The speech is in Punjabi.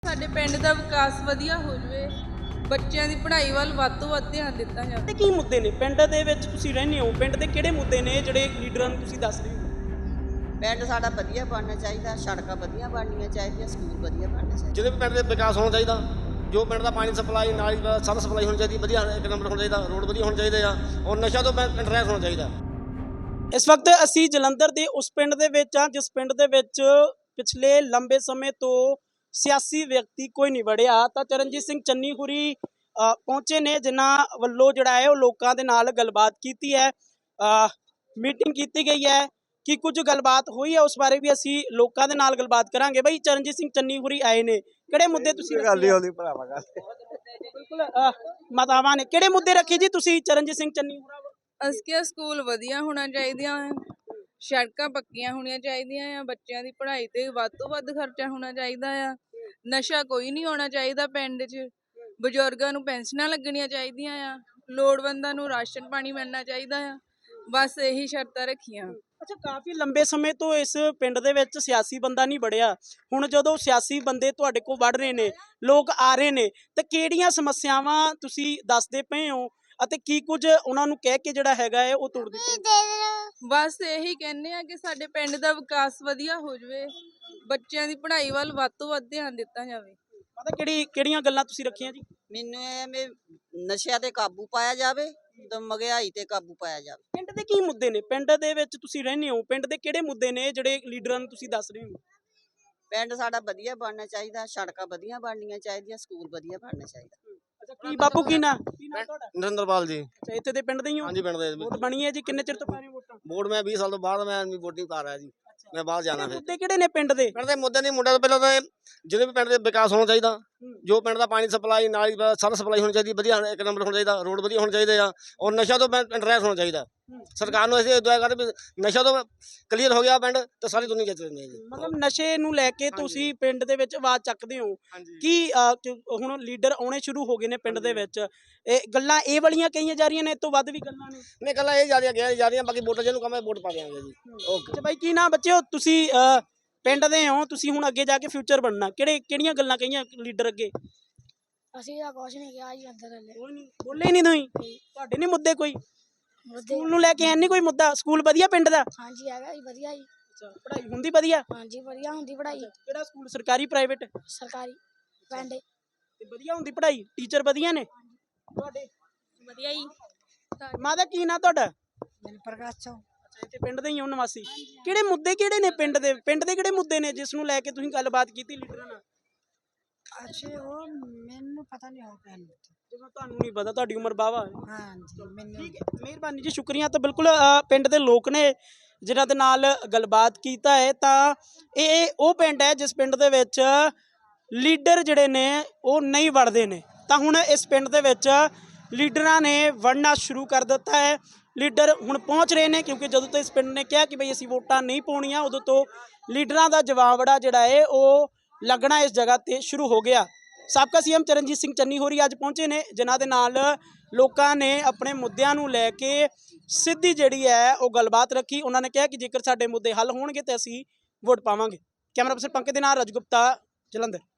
ਸਾਡੇ ਪਿੰਡ ਦਾ ਵਿਕਾਸ ਵਧੀਆ ਹੋ ਜਾਵੇ, ਬੱਚਿਆਂ ਦੀ ਪੜ੍ਹਾਈ ਵੱਲ ਵੱਧ ਤੋਂ ਵੱਧ ਧਿਆਨ ਦਿੱਤਾ ਜਾਵੇ। ਤੇ ਕੀ ਮੁੱਦੇ ਨੇ ਪਿੰਡ ਦੇ ਵਿੱਚ ਤੁਸੀਂ ਰਹਿੰਦੇ ਹੋ, ਪਿੰਡ ਦੇ ਕਿਹੜੇ ਮੁੱਦੇ ਨੇ ਜਿਹੜੇ ਲੀਡਰਾਂ ਨੂੰ ਤੁਸੀਂ ਦੱਸ ਰਹੇ ਹੋ? ਪਿੰਡ ਸਾਡਾ ਵਧੀਆ ਬਣਨਾ ਚਾਹੀਦਾ, ਸੜਕਾਂ ਵਧੀਆ ਬਣਨੀਆਂ ਚਾਹੀਦੀਆਂ, ਸਕੂਲ ਵਧੀਆ ਬਣਨੇ ਚਾਹੀਦੇ। ਜਿਹਦੇ ਵੀ ਪਿੰਡ ਦੇ ਵਿਕਾਸ ਹੋਣਾ ਚਾਹੀਦਾ, ਜੋ ਪਿੰਡ ਦਾ ਪਾਣੀ ਸਪਲਾਈ ਨਾਲੀ ਸਭ ਸਪਲਾਈ ਹੋਣੀ ਚਾਹੀਦੀ, ਵਧੀਆ ਇੱਕ ਨੰਬਰ ਹੋਣਾ ਚਾਹੀਦਾ, ਰੋਡ ਵਧੀਆ ਹੋਣੇ ਚਾਹੀਦੇ ਆ, ਔਰ ਨਸ਼ਾ ਤੋਂ ਪਿੰਡ ਰਹਿਤ ਹੋਣਾ ਚਾਹੀਦਾ। ਇਸ ਵਕਤ ਅਸੀਂ ਜਲੰਧਰ ਦੇ ਉਸ ਪਿੰਡ ਦੇ ਵਿੱਚ ਆ ਜਿਸ ਪਿੰਡ ਦੇ ਵਿੱਚ ਪਿਛਲੇ ਲੰਬੇ ਸਮੇਂ ਤੋਂ ਸਿਆਸੀ ਵਿਅਕਤੀ ਕੋਈ ਨਹੀਂ ਵੜਿਆ। ਤਾਂ ਚਰਨਜੀਤ ਸਿੰਘ ਚੰਨੀ ਹੁਰੀ ਪਹੁੰਚੇ ਨੇ, ਜਿਨ੍ਹਾਂ ਵੱਲੋਂ ਜਿਹੜਾ ਹੈ ਉਹ ਲੋਕਾਂ ਦੇ ਨਾਲ ਗੱਲਬਾਤ ਕੀਤੀ ਹੈ, ਮੀਟਿੰਗ ਕੀਤੀ ਗਈ ਹੈ ਕਿ ਕੁਝ ਗੱਲਬਾਤ ਹੋਈ ਹੈ, ਉਸ ਬਾਰੇ ਵੀ ਅਸੀਂ ਲੋਕਾਂ ਦੇ ਨਾਲ ਗੱਲਬਾਤ ਕਰਾਂਗੇ। ਬਈ ਚਰਨਜੀਤ ਸਿੰਘ ਚੰਨੀ ਹੁਰੀ ਆਏ ਨੇ, ਕਿਹੜੇ ਮੁੱਦੇ ਤੁਸੀਂ ਭਰਾਵਾ ਗੱਲ ਬਿਲਕੁਲ ਮਾਤਾਵਾਂ ਨੇ ਕਿਹੜੇ ਮੁੱਦੇ ਰੱਖੇ ਜੀ ਤੁਸੀਂ ਚਰਨਜੀਤ ਸਿੰਘ ਚੰਨੀ ਹੁਰਾ? ਅਸੀਂ ਕਿਹਾ ਸਕੂਲ ਵਧੀਆ ਹੋਣਾ ਚਾਹੀਦੀਆਂ ਆ, ਸੜਕਾਂ ਪੱਕੀਆਂ ਹੋਣੀਆਂ ਚਾਹੀਦੀਆਂ ਆ, ਬੱਚਿਆਂ ਦੀ ਪੜ੍ਹਾਈ ਤੇ ਵੱਧ ਤੋਂ ਵੱਧ ਖਰਚਾ ਹੋਣਾ ਚਾਹੀਦਾ ਆ, ਨਸ਼ਾ ਕੋਈ ਨਹੀਂ ਹੋਣਾ ਚਾਹੀਦਾ ਪਿੰਡ 'ਚ, ਬਜ਼ੁਰਗਾਂ ਨੂੰ ਪੈਨਸ਼ਨਾਂ ਲੱਗਣੀਆਂ ਚਾਹੀਦੀਆਂ ਆ, ਲੋੜਵੰਦਾਂ ਨੂੰ ਰਾਸ਼ਨ ਪਾਣੀ ਮਿਲਣਾ ਚਾਹੀਦਾ ਆ। ਬਸ ਇਹੀ ਸ਼ਰਤਾਂ ਰੱਖੀਆਂ। ਅੱਛਾ, ਕਾਫੀ ਲੰਬੇ ਸਮੇਂ ਤੋਂ ਇਸ ਪਿੰਡ ਦੇ ਵਿੱਚ ਸਿਆਸੀ ਬੰਦਾ ਨਹੀਂ ਵੜਿਆ, ਹੁਣ ਜਦੋਂ ਸਿਆਸੀ ਬੰਦੇ ਤੁਹਾਡੇ ਕੋਲ ਵੜ ਰਹੇ ਨੇ, ਲੋਕ ਆ ਰਹੇ ਨੇ, ਤਾਂ ਕਿਹੜੀਆਂ ਸਮੱਸਿਆਵਾਂ ਤੁਸੀਂ ਦੱਸਦੇ ਪਏ ਹੋ ਅਤੇ ਕੀ ਕੁਝ ਉਹਨਾਂ ਨੂੰ ਕਹਿ ਕੇ ਜਿਹੜਾ ਹੈਗਾ ਹੈ ਉਹ ਤੋੜ ਦਿੱਤੇ? ਬਸ ਇਹੀ ਕਹਿੰਦੇ ਆ ਕਿ ਸਾਡੇ ਪਿੰਡ ਦਾ ਵਿਕਾਸ ਵਧੀਆ ਹੋ ਜਾਵੇ, ਬੱਚਿਆਂ ਦੀ ਪੜ੍ਹਾਈ ਵੱਲ ਵੱਧ ਤੋਂ ਵੱਧ ਧਿਆਨ ਦਿੱਤਾ ਜਾਵੇ। ਪਤਾ ਕਿਹੜੀਆਂ ਗੱਲਾਂ ਤੁਸੀਂ ਰੱਖੀਆਂ ਜੀ? ਮੈਨੂੰ ਇਹ ਵੀ ਨਸ਼ਿਆਂ ਤੇ ਕਾਬੂ ਪਾਇਆ ਜਾਵੇ ਤੇ ਮਹਿੰਗਾਈ ਤੇ ਕਾਬੂ ਪਾਇਆ ਜਾਵੇ। ਪਿੰਡ ਦੇ ਕੀ ਮੁੱਦੇ ਨੇ, ਪਿੰਡ ਦੇ ਵਿੱਚ ਤੁਸੀਂ ਰਹਿੰਦੇ ਹੋ, ਪਿੰਡ ਦੇ ਕਿਹੜੇ ਮੁੱਦੇ ਨੇ ਜਿਹੜੇ ਲੀਡਰਾਂ ਨੂੰ ਤੁਸੀਂ ਦੱਸ ਰਹੇ ਹੋ? ਪਿੰਡ ਸਾਡਾ ਵਧੀਆ ਬਣਨਾ ਚਾਹੀਦਾ, ਸੜਕਾਂ ਵਧੀਆ ਬਣਨੀਆਂ ਚਾਹੀਦੀਆਂ, ਸਕੂਲ ਵਧੀਆ ਬਣਨਾ ਚਾਹੀਦਾ। ਅੱਛਾ, ਕੀ ਬਾਪੂ ਕੀ ਨਾਂ ਤੁਹਾਡਾ? ਨਰਿੰਦਰਪਾਲ ਜੀ। ਅੱਛਾ, ਇੱਥੇ ਦੇ ਪਿੰਡ ਦੇ ਹੀ ਹੋ? ਹਾਂਜੀ, ਪਿੰਡ ਦੇ ਵੋਟ ਬਣੀ ਹੈ ਜੀ, ਕਿੰਨੇ ਚਿਰ ਤੋਂ ਪਾ ਰਹੇ ਹੋ ਵੋਟਾਂ? ਵੋਟ ਮੈਂ 20 ਸਾਲ ਤੋਂ ਬਾਅਦ ਮੈਂ ਵੋਟਿੰਗ ਪਾ ਰਿਹਾ ਜੀ, ਮੈਂ ਬਾਹਰ ਜਾਣਾ। ਫਿਰ ਮੁੱਦੇ ਕਿਹੜੇ ਨੇ ਪਿੰਡ ਦੇ? ਪਿੰਡ ਦੇ ਮੁੱਦੇ ਨਹੀਂ, ਮੁੰਡਿਆਂ ਤੋਂ ਪਹਿਲਾਂ ਤਾਂ ਜਿਹਦੇ ਵੀ ਪਿੰਡ ਦੇ ਵਿਕਾਸ ਹੋਣਾ ਚਾਹੀਦਾ, ਜੋ ਪਿੰਡ ਦਾ ਪਾਣੀ ਸਪਲਾਈ ਨਾਲੀ ਸਭ ਸਪਲਾਈ ਹੋਣੀ ਚਾਹੀਦੀ, ਵਧੀਆ ਇੱਕ ਨੰਬਰ ਹੋਣਾ ਚਾਹੀਦਾ, ਰੋਡ ਵਧੀਆ ਹੋਣੇ ਚਾਹੀਦੇ ਆ, ਔਰ ਨਸ਼ਾ ਤੋਂ ਪਿੰਡ ਰਹਿਤ ਹੋਣਾ ਚਾਹੀਦਾ। ਸਰਕਾਰ ਨੂੰ ਅਸੀਂ ਦੁਆ ਕਰਦੇ ਵੀ ਨਸ਼ਾ ਤੋਂ ਕਲੀਅਰ ਹੋ ਗਿਆ ਪਿੰਡ ਤਾਂ ਸਾਰੀ ਦੁਨੀਆ ਜਿੱਤ ਲੈਂਦੀ ਹੈ ਜੀ। ਮਤਲਬ ਨਸ਼ੇ ਨੂੰ ਲੈ ਕੇ ਤੁਸੀਂ ਪਿੰਡ ਦੇ ਵਿੱਚ ਆਵਾਜ਼ ਚੱਕਦੇ ਹੋ ਕਿ ਹੁਣ ਲੀਡਰ ਆਉਣੇ ਸ਼ੁਰੂ ਹੋ ਗਏ ਨੇ ਪਿੰਡ ਦੇ ਵਿੱਚ, ਇਹ ਗੱਲਾਂ ਇਹ ਵਾਲੀਆਂ ਕਹੀਆਂ ਜਾ ਰਹੀਆਂ ਨੇ, ਇਸ ਤੋਂ ਵੱਧ ਵੀ ਗੱਲਾਂ ਨੇ? ਨਹੀਂ, ਗੱਲਾਂ ਇਹ ਜਾ ਰਹੀਆਂ, ਬਾਕੀ ਵੋਟਾਂ ਜਿਹਨੂੰ ਕਹਾਂ ਵੋਟ ਪਾ ਦਿਆਂਗੇ ਜੀ। ਓਕੇ। ਅੱਛਾ ਬਾਈ, ਕੀ ਨਾ ਬੱਚਿਓ, ਤੁਸੀਂ ਪਿੰਡ ਦੇ ਹੋ, ਤੁਸੀਂ ਹੁਣ ਅੱਗੇ ਜਾ ਕੇ ਫਿਊਚਰ ਬਣਨਾ, ਕਿਹੜੀਆਂ ਗੱਲਾਂ ਕਹੀਆਂ ਲੀਡਰ ਅੱਗੇ? ਅਸੀਂ ਤਾਂ ਕੁਛ ਨਹੀਂ ਕਿਹਾ ਜੀ, ਅੰਦਰ ਹਲੇ ਕੋਈ ਨਹੀਂ ਬੋਲੇ ਹੀ ਨਹੀਂ ਤੁਸੀਂ, ਤੁਹਾਡੇ ਨਹੀਂ ਮੁੱਦੇ ਕੋਈ? ਸਕੂਲ ਨੂੰ ਲੈ ਕੇ ਐ ਨਹੀਂ ਕੋਈ ਮੁੱਦਾ? ਸਕੂਲ ਵਧੀਆ ਪਿੰਡ ਦਾ? ਹਾਂਜੀ ਹੈਗਾ ਜੀ, ਵਧੀਆ ਜੀ। ਅੱਛਾ, ਪੜ੍ਹਾਈ ਹੁੰਦੀ ਵਧੀਆ? ਹਾਂਜੀ ਵਧੀਆ ਹੁੰਦੀ ਪੜ੍ਹਾਈ। ਕਿਹੜਾ ਸਕੂਲ, ਸਰਕਾਰੀ ਪ੍ਰਾਈਵੇਟ? ਸਰਕਾਰੀ ਪਿੰਡ ਤੇ ਵਧੀਆ ਹੁੰਦੀ ਪੜ੍ਹਾਈ, ਟੀਚਰ ਵਧੀਆ ਨੇ ਤੁਹਾਡੇ? ਵਧੀਆ ਜੀ। ਮਾਤਾ ਕੀ ਨਾਂ ਤੁਹਾਡਾ? ਮੈਨੂੰ ਪ੍ਰਕਾਸ਼ ਚੋਂ। ਅੱਛਾ, ਇੱਥੇ ਪਿੰਡ ਦੇ ਹੀ ਹੋ ਨਿਵਾਸੀ। ਕਿਹੜੇ ਮੁੱਦੇ ਕਿਹੜੇ ਨੇ ਪਿੰਡ ਦੇ ਕਿਹੜੇ ਮੁੱਦੇ ਨੇ ਜਿਸ ਨੂੰ ਲੈ ਕੇ ਤੁਸੀਂ ਗੱਲਬਾਤ ਕੀਤੀ ਲੀਡਰਾਂ ਨਾਲ? ਅੱਛਾ, ਉਹ ਮੈਨੂੰ ਪਤਾ ਨਹੀਂ ਹੋ ਪਿਆ ਜਦੋਂ ਤੁਹਾਨੂੰ ਨਹੀਂ ਪਤਾ, ਤੁਹਾਡੀ ਉਮਰ ਬਾਵਾ ਹੈ। ਹਾਂਜੀ ਮੈਨੂੰ। ਠੀਕ ਹੈ, ਮਿਹਰਬਾਨੀ ਜੀ, ਸ਼ੁਕਰੀਆ। ਤਾਂ ਬਿਲਕੁਲ ਪਿੰਡ ਦੇ ਲੋਕ ਨੇ ਜਿਨ੍ਹਾਂ ਦੇ ਨਾਲ ਗੱਲਬਾਤ ਕੀਤਾ ਹੈ। ਤਾਂ ਇਹ ਉਹ ਪਿੰਡ ਹੈ ਜਿਸ ਪਿੰਡ ਦੇ ਵਿੱਚ ਲੀਡਰ ਜਿਹੜੇ ਨੇ ਉਹ ਨਹੀਂ ਵੜਦੇ ਨੇ, ਤਾਂ ਹੁਣ ਇਸ ਪਿੰਡ ਦੇ ਵਿੱਚ ਲੀਡਰਾਂ ਨੇ ਵੜਨਾ ਸ਼ੁਰੂ ਕਰ ਦਿੱਤਾ ਹੈ। ਲੀਡਰ ਹੁਣ ਪਹੁੰਚ ਰਹੇ ਨੇ, ਕਿਉਂਕਿ ਜਦੋਂ ਤੋਂ ਇਸ ਪਿੰਡ ਨੇ ਕਿਹਾ ਕਿ ਬਈ ਅਸੀਂ ਵੋਟਾਂ ਨਹੀਂ ਪਾਉਣੀਆਂ, ਉਦੋਂ ਤੋਂ ਲੀਡਰਾਂ ਦਾ ਜਵਾਬੜਾ ਜਿਹੜਾ ਹੈ ਉਹ ਲੱਗਣਾ ਇਸ ਜਗ੍ਹਾ ਤੇ ਸ਼ੁਰੂ ਹੋ ਗਿਆ। ਸਾਬਕਾ ਸੀਐਮ ਚਰਨਜੀਤ ਸਿੰਘ ਚੰਨੀ ਹੋਰੀ ਅੱਜ ਪਹੁੰਚੇ ਨੇ, ਜਿਨ੍ਹਾਂ ਦੇ ਨਾਲ ਲੋਕਾਂ ਨੇ ਆਪਣੇ ਮੁੱਦਿਆਂ ਨੂੰ ਲੈ ਕੇ ਸਿੱਧੀ ਜਿਹੜੀ ਹੈ ਉਹ ਗੱਲਬਾਤ ਰੱਖੀ। ਉਹਨਾਂ ਨੇ ਕਿਹਾ ਕਿ ਜੇਕਰ ਸਾਡੇ ਮੁੱਦੇ ਹੱਲ ਹੋਣਗੇ ਤਾਂ ਅਸੀਂ ਵੋਟ ਪਾਵਾਂਗੇ। ਕੈਮਰਾ ਪਰਸਨ ਪੰਕਜ ਦੇ ਨਾਲ ਰਾਜ ਗੁਪਤਾ, ਜਲੰਧਰ।